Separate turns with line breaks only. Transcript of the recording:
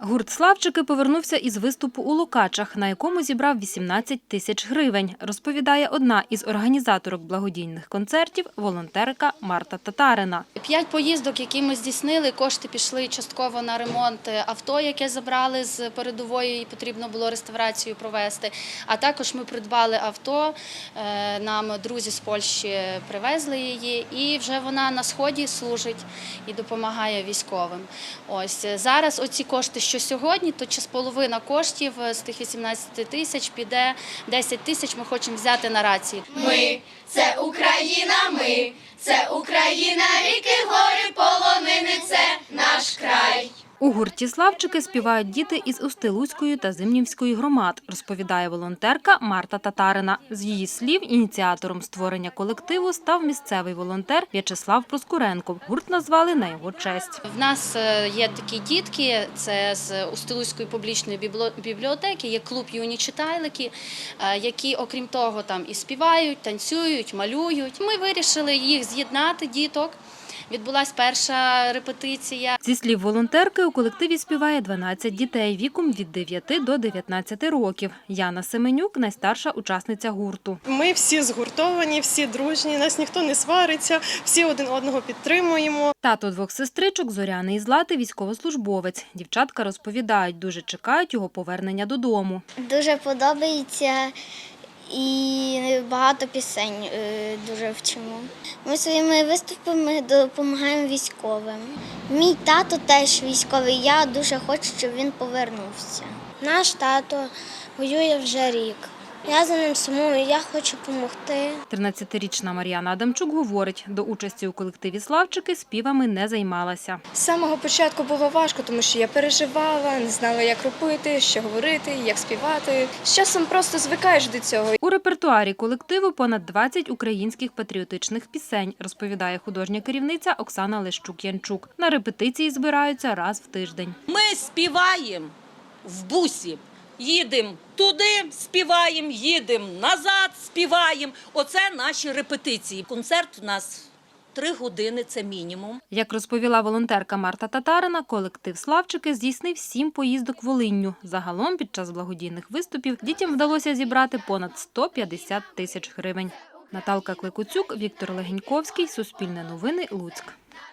Гурт «Славчики» повернувся із виступу у Лукачах, на якому зібрав 18 тисяч гривень, розповідає одна із організаторок благодійних концертів – волонтерка Марта Татарина.
5 поїздок, які ми здійснили, кошти пішли частково на ремонт авто, яке забрали з передової і потрібно було реставрацію провести. А також ми придбали авто, нам друзі з Польщі привезли її і вже вона на Сході служить і допомагає військовим. Ось зараз оці кошти, що сьогодні, то половина коштів з тих 18 тисяч піде, 10 тисяч ми хочемо взяти на рації.
Ми – це Україна, ми – це Україна, ріки, гори, полонини – це наш край.
У гурті «Славчики» співають діти із Устилузької та Зимнівської громад, розповідає волонтерка Марта Татарина. З її слів, ініціатором створення колективу став місцевий волонтер В'ячеслав Проскуренко. Гурт назвали на його честь.
В нас є такі дітки, це з Устилузької публічної бібліотеки, є клуб «Юні читайлики», які, окрім того, там і співають, танцюють, малюють. Ми вирішили їх з'єднати, діток. Відбулася перша репетиція.
Зі слів волонтерки, у колективі співає 12 дітей віком від 9 до 19 років. Яна Семенюк – найстарша учасниця гурту.
Ми всі згуртовані, всі дружні, нас ніхто не свариться, всі один одного підтримуємо.
Тато двох сестричок Зоряни і Злати – військовослужбовець. Дівчатка розповідають, дуже чекають його повернення додому.
Дуже подобається. І багато пісень дуже вчимо. Ми своїми виступами допомагаємо військовим. Мій тато теж військовий, я дуже хочу, щоб він повернувся. Наш тато воює вже рік. Я за ним сумую, я хочу допомогти.
13-річна Мар'яна Адамчук говорить, до участі у колективі «Славчики» співами не займалася.
З самого початку було важко, тому що я переживала, не знала, як робити, що говорити, як співати. З часом просто звикаєш до цього.
У репертуарі колективу понад 20 українських патріотичних пісень, розповідає художня керівниця Оксана Лещук-Янчук. На репетиції збираються раз в тиждень.
Ми співаємо в бусі. Їдемо туди, співаємо, їдемо назад, співаємо. Оце наші репетиції. Концерт у нас 3 години, це мінімум.
Як розповіла волонтерка Марта Татарина, колектив «Славчики» здійснив 7 поїздок Волинню. Загалом під час благодійних виступів дітям вдалося зібрати понад 150 тисяч гривень. Наталка Кликуцюк, Віктор Легеньковський, Суспільне новини, Луцьк.